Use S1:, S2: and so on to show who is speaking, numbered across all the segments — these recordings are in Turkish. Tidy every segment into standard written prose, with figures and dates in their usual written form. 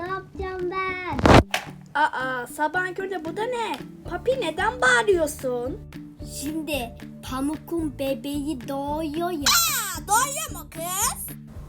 S1: ne yapacağım ben?
S2: Aa, sabahın köründe bu da ne? Papi neden bağırıyorsun?
S1: Şimdi Pamuk'un bebeği doğuyor ya.
S2: Doğuyor mu kız?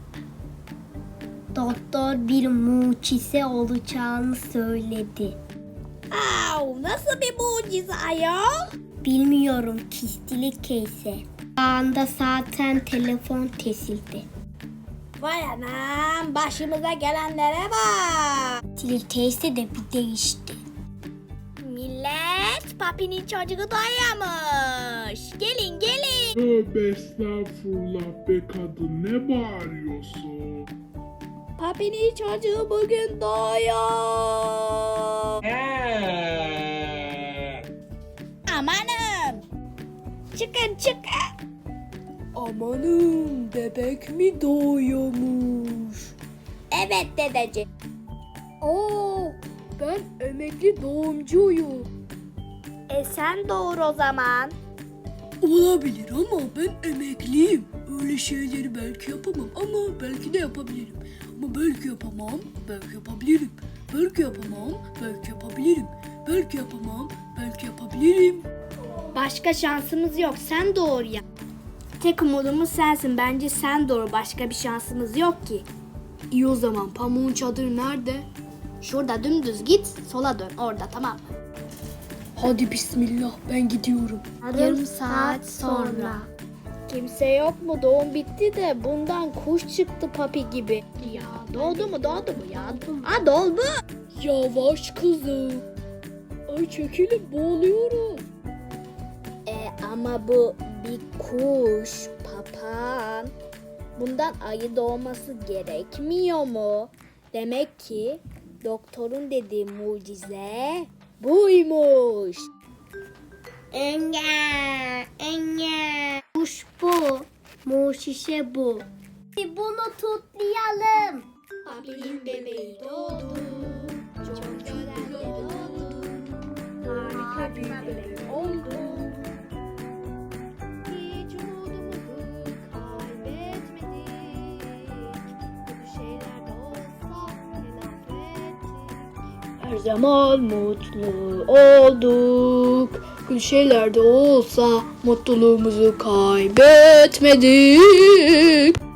S1: Doktor bir mucize olacağını söyledi.
S2: Nasıl bir mucize ayol?
S1: Bilmiyorum, kistilik keyse. Anda zaten telefon kesildi.
S2: Vay anam, başımıza gelenlere bak.
S1: Kistilik teyze de bir değişti.
S2: Millet, Papi'nin çocuğu doyuyormuş. Gelin gelin.
S3: Tövbe estağfurullah be kadın, ne bağırıyorsun?
S2: Papi'nin çocuğu bugün doğuyor. Amanım. Çıkın çıkın. Amanım, bebek mi doğuyormuş? Evet dedeciğim. Ben emekli doğumcuyum. Sen doğur o zaman.
S4: Olabilir ama ben emekliyim. Öyle şeyleri belki yapamam ama belki de yapabilirim. Ama belki yapamam, belki yapabilirim. Belki yapamam, belki yapabilirim. Belki yapamam, belki yapabilirim.
S2: Başka şansımız yok. Sen doğur ya. Tek umudumuz sensin. Bence sen doğur. Başka bir şansımız yok ki.
S4: İyi o zaman, pamuğun çadırı nerede?
S2: Şurada dümdüz git. Sola dön. Orada, tamam mı?
S4: Hadi bismillah, ben gidiyorum.
S1: Yarım saat sonra.
S2: Kimse yok mu? Doğum bitti de bundan kuş çıktı Papi gibi. Ya doğdu mu ya? Doldu.
S4: Yavaş kızım. Ay çekilin, boğuluyorum.
S2: Ama bu bir kuş, papağan. Bundan ayı doğması gerekmiyor mu? Demek ki doktorun dediği mucize buymuş.
S1: Enge. Kuş bu. Mucize bu. Bunu tutlayalım.
S2: Papi'nin bebeği doğdu. Çok güzel de doğdu. Harika bir bebek oldu. Hiç umudumuzu kaybetmedik. Kötü şeyler de olsa telafi ettik.
S4: Her zaman mutlu olduk. Gül şeyler de olsa mutluluğumuzu kaybetmedik.